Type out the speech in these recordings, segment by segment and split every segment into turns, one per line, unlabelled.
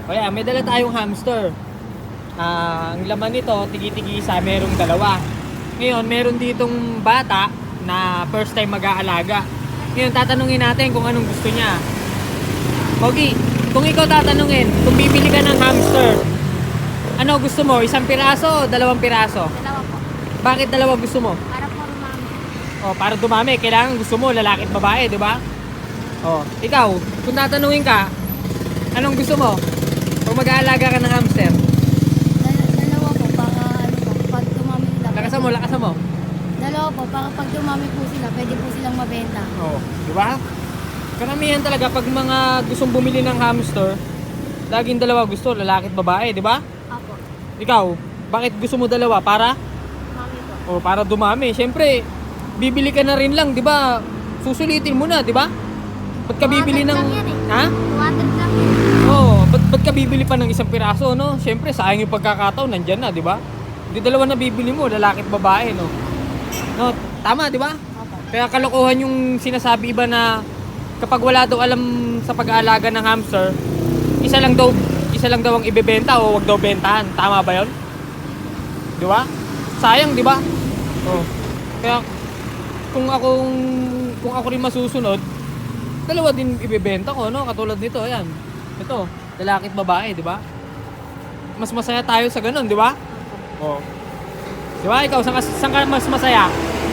O yan, may dala tayong hamster. Ang laman nito, tigi-tigisa, merong dalawa. Ngayon, meron ditong bata na first time mag-aalaga. Ngayon, tatanungin natin kung anong gusto niya. Pogi, kung ikaw tatanungin, kung bibili ka ng hamster, ano gusto mo? Isang piraso o dalawang piraso?
Dalawa po.
Bakit dalawa gusto mo?
Para po rumami.
O, para dumami. Kailangan gusto mo, lalaki at babae, di ba? O, ikaw, kung tatanungin ka, anong gusto mo? Kung mag-aalaga ka ng hamster,
Dalawa po, para ano po, pag dumami sila.
lakasan mo.
Dalawa po, para pag dumami po sila, pwede po silang mabenta.
Oo, di ba? Karamihan talaga pag mga gustong bumili ng hamster, laging dalawa gusto, lalaki at babae, di ba?
Apo.
Ikaw, bakit gusto mo dalawa? Para?
Mami po.
O, para dumami. Siyempre, bibili ka na rin lang, di ba? Susulitin mo na, di ba? Ba't ka bibili ng...
200 lang yan eh.
Ha?
200 lang yun.
Oo, ba't ka bibili pa ng isang piraso, no? Siyempre, sayang yung pagkakataon, nandyan na, di ba? Di dalawa na bibili mo, lalaki at babae, no? No, tama, di ba?
Apo.
Kaya kalokohan yung sinasabi iba na kapag wala daw alam sa pag-aalaga ng hamster, isa lang daw ang ibebenta o wag daw bentahan. Tama ba 'yon? Di ba? Sayang, di ba? Oh. Kaya kung ako rin masusunod, dalawa din ibebenta ko, no? Katulad nito, ayan. Ito, lalaki at babae, di ba? Mas masaya tayo sa ganun, di ba? Oh. Di ba? Ikaw, saan ka mas masaya?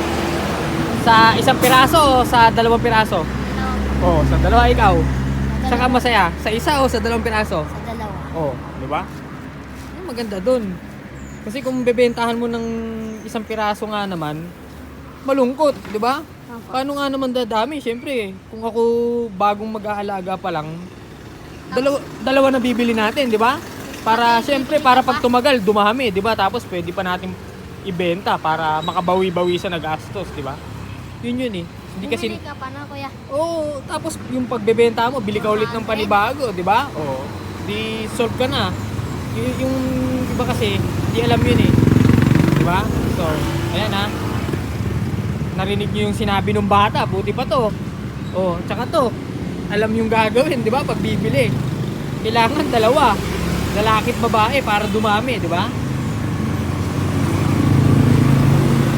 Sa isang piraso o sa dalawang piraso?
Dalawa po.
Oh, sa dalawa ikaw.
Sa
Saan ka
dalawa.
masaya? Sa isa o sa dalawang piraso?
Sa dalawa.
Oh, di ba? Yung maganda dun. Kasi kung bebentahan mo ng isang piraso nga naman, malungkot, di ba?
Apo.
Paano nga naman dadami? Siyempre, kung ako bagong mag-aalaga pa lang, dalawa na bibili natin, di ba? Para, siyempre, para pag tumagal, dumami, di ba? Tapos pwede pa natin ibenta para makabawi-bawi sa nagastos, di ba? Yun eh. Hindi kasi...
Bumili ka pa na, kuya.
Oo, tapos yung pagbebenta mo, bili ka ulit ng panibago, di ba? Oo. Di solve ka na. Yung iba kasi, di alam yun eh. Di ba? So, ayan ha. Narinig niyo yung sinabi ng bata, buti pa to. Oh, tsaka to. Alam yung gagawin, di ba? Pag bibili. Kailangan dalawa. Lalaki at babae para dumami, di ba?